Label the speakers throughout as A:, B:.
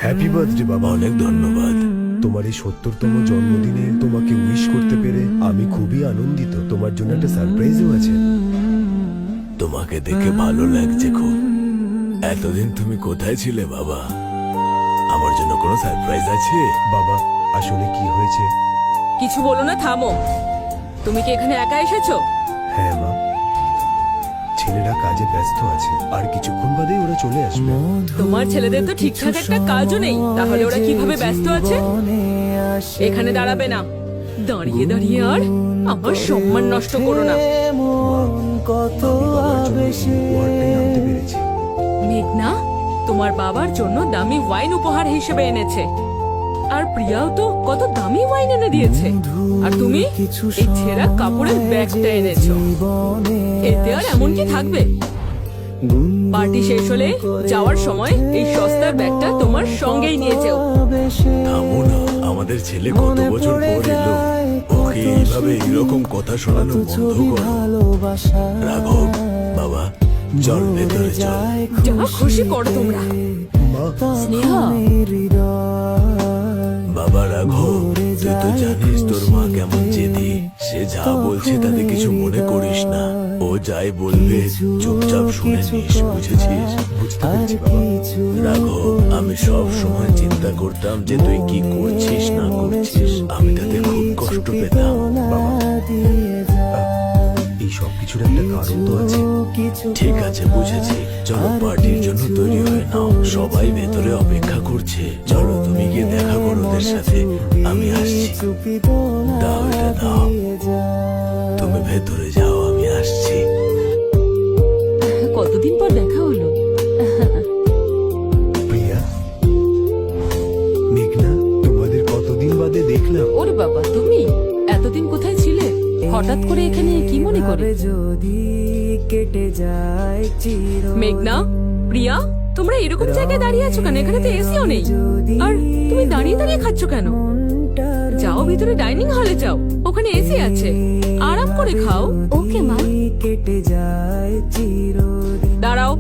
A: Happy birthday বাবা।
B: অনেক ধন্যবাদ।
A: তোমার এই 70তম জন্মদিনে তোমাকে উইশ করতে পেরে আমি খুবই আনন্দিত। তোমার জন্য একটা সারপ্রাইজও আছে।
B: তোমাকে দেখে ভালো লাগছে খুব। এতদিন তুমি কোথায় ছিলে বাবা? আমার জন্য কোনো সারপ্রাইজ আছে?
A: বাবা আসলে কি হয়েছে?
C: কিছু বলো না, থামো। তুমি কি এখানে একা এসেছো?
A: হ্যাঁ মা, ছেলেরা কাজে ব্যস্ত আছে, আর কিছুক্ষণ বাদেই ওরা চলে আসবে।
C: তোমার ছেলেদের তো ঠিকঠাক একটা কাজও নেই, তাহলে ওরা কিভাবে ব্যস্ত আছে? এখানে দাঁড়াবে না, দাঁড়িয়ে দাঁড়িয়ে আর আমার সম্মান নষ্ট করো না।
A: আমি বাবার জন্য এই উপহারটাই আনতে পেরেছি।
C: মেঘনা তোমার বাবার জন্য দামি ওয়াইন উপহার হিসেবে এনেছে, আর প্রিয়াও তো কত দামি ওয়াইন এনে দিয়েছে, আর তুমি এই ছেঁড়া কাপড়ের ব্যাগটা এনেছো। এতে আর এমন কি থাকবে? পার্টি শেষ হলে যাওয়ার সময় এই সস্তার ব্যাগটা তোমার সঙ্গেই নিয়ে যাও।
B: থামো না, আমাদের ছেলে কত বছর পর এলো, ওকে এইভাবে এরকম কথা শোনানো বন্ধ করো। রাঘব বাবা, চল ভেতরে চল।
C: যা খুশি করো তোমরা।
A: মা,
C: স্নেহা,
B: বাবা রাঘব, তুই তো জানিস তোর মা কেমন জেদি। সে যা বলছে তাতে কিছু মনে করিস না। ও যাই বলবে চুপচাপ শুনে নিস, বুঝেছিস?
A: বুঝতে পেরেছি বাবা।
B: রাঘব, আমি সব সময় চিন্তা করতাম যে তুই কি করছিস না করছিস, আমি তাতে খুব কষ্ট পেতাম।
A: বাবা, এই সব কিছুর একটা কারণ তো আছে।
B: ঠিক আছে, বুঝেছি। চলো পার্টির জন্য তৈরি হয়ে নাও, সবাই ভেতরে অপেক্ষা করছে। চলো তুমি গিয়ে দেখা করো ওদের সাথে, আমি আসছি। দাও এটা দাও, তুমি ভেতরে যাও, আমি আসছি।
C: কতদিন পর দেখা হলো।
A: প্রিয়া, মেঘনা, তোমাদের কতদিন বাদে দেখলাম।
C: ওরে বাবা, তুমি এতদিন কোথায় ছিলে? হঠাৎ করে এখানে কি মনে করে?
D: যদি কেটে যায়
C: মেঘনা, প্রিয়া, তোমরা এরকম জায়গায় দাঁড়িয়ে আছো কেন? এখানে তো এসিও নেই, আর তুমি দাঁড়িয়ে দাঁড়িয়ে খাচ্ছ কেন? যাও ভিতরে ডাইনিং হলে যাও, ওখানে এসি আছে, আরাম করে খাও। ওকে মা।
D: কেটে যায় চিরদিন
C: দাঁড়াও,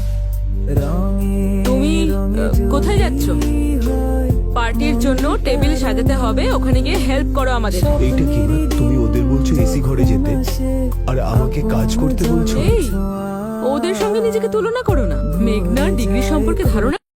C: তুমি কোথায় যাচ্ছ? পার্টির জন্য টেবিল সাজাতে হবে, ওখানে গিয়ে হেল্প করো আমাদের।
A: এইটা কি মা? তুমি ওদের বলছো এসি ঘরে যেতে, আর আমাকে কাজ করতে বলছো?
C: এই, ওদের সঙ্গে নিজেকে তুলনা করো না। মেঘনার ডিগ্রি সম্পর্কে ধারণা